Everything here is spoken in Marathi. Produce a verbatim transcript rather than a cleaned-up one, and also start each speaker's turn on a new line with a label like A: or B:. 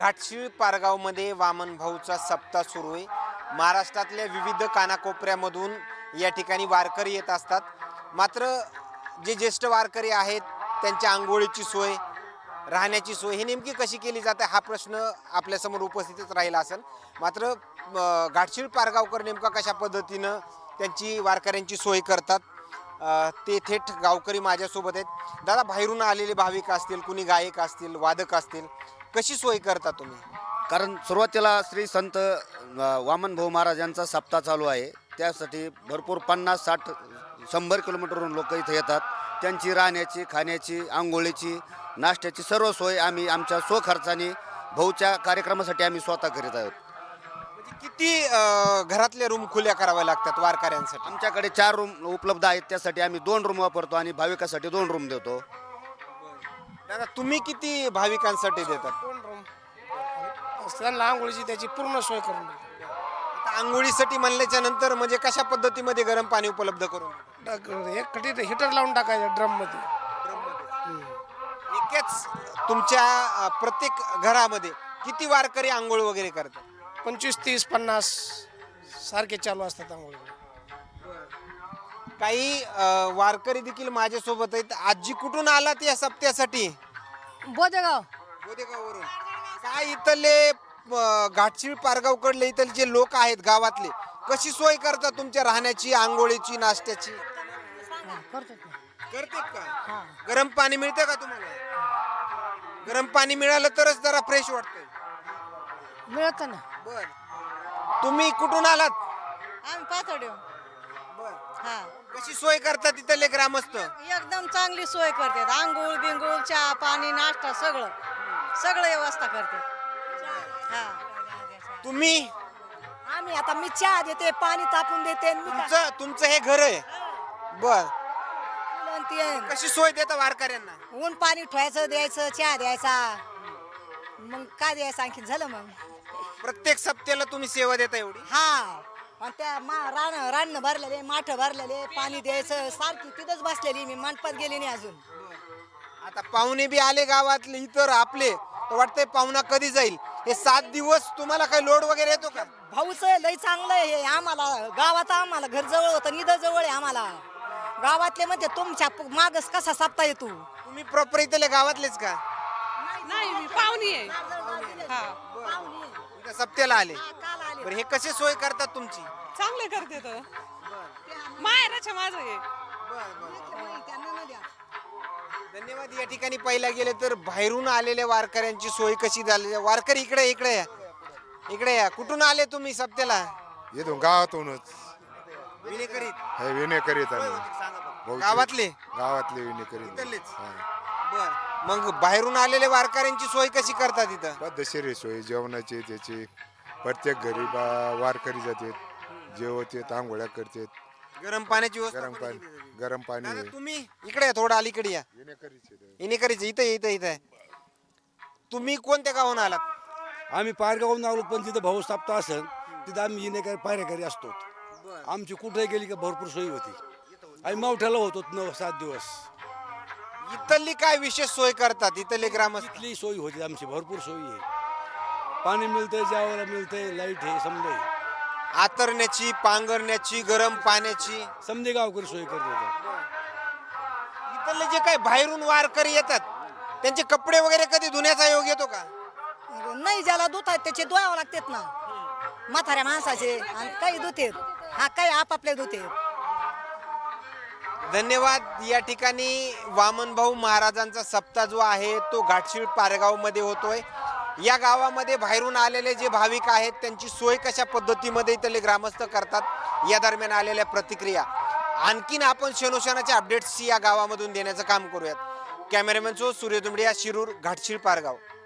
A: घाटशिळ पारगावमध्ये वामन भाऊचा सप्ताह सुरू आहे. महाराष्ट्रातल्या विविध कानाकोपऱ्यामधून या ठिकाणी वारकरी येत असतात. मात्र जे ज्येष्ठ वारकरी आहेत त्यांच्या आंघोळीची सोय, राहण्याची सोय ही नेमकी कशी केली जाते हा प्रश्न आपल्यासमोर उपस्थितच राहिला असेल. मात्र घाटशिळ पारगावकर नेमका कशा पद्धतीनं त्यांची वारकऱ्यांची सोय करतात ते थेट गावकरी माझ्यासोबत आहेत. दादा, बाहेरून आलेले भाविक असतील, कुणी गायक असतील, वादक असतील, कशी सोय करता तुम्ही?
B: कारण सुरुवातीला श्री संत वामन भाऊ महाराज यांचा सप्ताह चालू आहे. त्यासाठी भरपूर पन्नास साठ शंभर किलोमीटरवरून लोक इथे येतात. त्यांची राहण्याची, खाण्याची, आंघोळीची, नाश्त्याची सर्व सोय आम्ही आमच्या स्वखर्चाने भाऊच्या कार्यक्रमासाठी आम्ही स्वतः करीत आहोत.
A: म्हणजे किती घरातले रूम खुल्या कराव्या लागतात वारकऱ्यांसाठी?
B: आमच्याकडे चार रूम उपलब्ध आहेत. त्यासाठी आम्ही दोन रूम वापरतो आणि भाविकासाठी दोन रूम देतो.
A: दादा, तुम्ही किती भाविकांसाठी देतात?
C: दोन रूम त्यांना आंघोळीची त्याची पूर्ण सोय करून देतो.
A: आता आंघोळीसाठी म्हणल्याच्या नंतर म्हणजे कशा पद्धतीमध्ये गरम पाणी उपलब्ध करून
C: टाक- एक कटी हिटर लावून टाकायचं ड्रम मध्ये.
A: एकेच तुमच्या अ, प्रत्येक घरामध्ये किती वारकरी आंघोळ वगैरे करतात?
C: पंचवीस तीस पन्नास सारखे चालू असतात आंघोळी.
A: काही अ, वारकरी देखील माझ्यासोबत आहेत. आजी कुठून आलात या सप्त्यासाठी?
D: बोदेगाव.
A: बोदेगाववरून. काय इथले अ, घाटशिळ पारगावकडले इथले जे लोक आहेत गावातले कशी सोय करतात तुमच्या राहण्याची, आंघोळीची, नाश्त्याची?
D: हा, करतो की.
A: करतात का?
D: हा.
A: गरम पाणी मिळतं का तुम्हाला? गरम पाणी मिळालं तरच जरा फ्रेश वाटतंय.
D: मिळतं ना.
A: बर, तुम्ही कुठून आलात?
E: आम्ही पातोड्यो.
A: बर,
E: हा,
A: कशी सोय करतात तिथले ग्रामस्थ?
E: एकदम चांगली सोय करतात. आंघोळ बिंगोळ, चहा पाणी, नाश्ता सगळं सगळं व्यवस्था करतात. हा,
A: तुम्ही
D: आम्ही आता मी चहा देते, पाणी तापून देते आणि मी काय-
A: तुमचं तुमचं हे घर आहे? बर,
D: आणि ते
A: कशी सोय देता वारकऱ्यांना?
D: ऊन पाणी ठेवायचं, द्यायचं, चहा द्यायचा. मग काय द्यायचं आणखी झालं मग.
A: प्रत्येक सप्त्याला तुम्ही सेवा देता एवढी?
D: हा, आणि त्या मा रान रान भरलेले, माठ भरलेले, पाणी द्यायचं. सारखी तिथंच बसलेली मी, मंडपात गेली नाही अजून.
A: आता पाहुणे बी आले गावातले इतर आपले, तर वाटतंय पाहुणा कधी जाईल. हे सात दिवस तुम्हाला काही लोड वगैरे येतो का?
D: भाऊच लय चांगलं आहे हे. आम्हाला गावात आम्हाला घर जवळ होतं, निधं जवळ आहे आम्हाला. गावातले म्हणते तुमच्या मागस कसा सापता येतो.
A: तुम्ही प्रॉपर इथले गावातलेच का?
F: नाही, मी पाहुणी आहे. हा,
A: इथं सप्त्याला आले.
D: काल आले.
A: बरं, हे कसे सोय करतात तुमची?
F: चांगले करते तर माहेराच्या माझं आहे.
A: धन्यवाद. या ठिकाणी पाहिला गेले तर बाहेरून आलेल्या वारकऱ्यांची सोय कशी झाली? वारकरी इकडे इकडे या, इकडे या. कुठून आले तुम्ही सप्त्याला?
G: येतो गावातूनच
A: विनेकरीत.
G: हे विनय करीत
A: होय,
G: आम्ही
A: होते, सांगा बघू.
G: भाऊची-
A: गावातले?
G: गावातले विनय करीत
A: इथलेच?
G: हा.
A: बर, मग बाहेरून आलेल्या वारकऱ्यांची सोय कशी करतात इथं?
G: पद्धतशीर आहे सोय जेवणाची त्याची. प्रत्येक घरी बा वारकरी जातात, जेवतात, आंघोळ्या करतात,
A: गरम पाण्याची व्यवस्था
G: गरम
A: पण
G: पाणी
A: केली जाते.
G: गरम पाणी
A: दादा,
G: आहे.
A: तुम्ही इकडे या, थोडं अलीकडे या.
G: विनय करीत आहे.
A: विनेकरीच इथं इथं इथं. तुम्ही कोणत्या गावून आलात?
H: आम्ही पारगावून आलो, पण तिथं भाऊ सप्ताह असेल तिथं आम्ही येणे पायऱ्याकरी असतो. आमची कुठे गेली की भरपूर सोयी होती. आम्ही मावठ्याला होतो नऊ सात दिवस.
A: इथली काय विशेष सोय करतात इथले ग्रामस्थ?
H: इथली सोयी होती आमची, भरपूर सोयी आहे. पाणी मिळतंय, जेवायला मिळतंय, लाईट आहे, समजे
A: आतरण्याची, पांघरण्याची, गरम पाण्याची.
H: समजे गावकरी सोय करत होतो.
A: इथले जे काही बाहेरून वारकरी येतात त्यांचे कपडे वगैरे कधी धुण्याचा योग येतो का?
D: नाही, ज्याला दूध आहेत त्याचे धुवावं लागतात ना, म्हाताऱ्या माणसाचे. आणि काही धुतेत, हा काही आपापले धुतेत.
A: धन्यवाद. या ठिकाणी वामन भाऊ महाराजांचा सप्ताह जो आहे तो घाटशिळ पारगाव मध्ये होतोय. या गावामध्ये बाहेरून आलेले जे भाविक आहेत त्यांची सोय कशा पद्धतीमध्ये इथले ग्रामस्थ करतात या दरम्यान आलेल्या प्रतिक्रिया. आणखीन आपण शनोशनाच्या अपडेट्स या गावामधून देण्याचं काम करूयात. कॅमेरामॅन सो सूर्य दुमडिया, शिरूर, घाटशिळ पारगाव.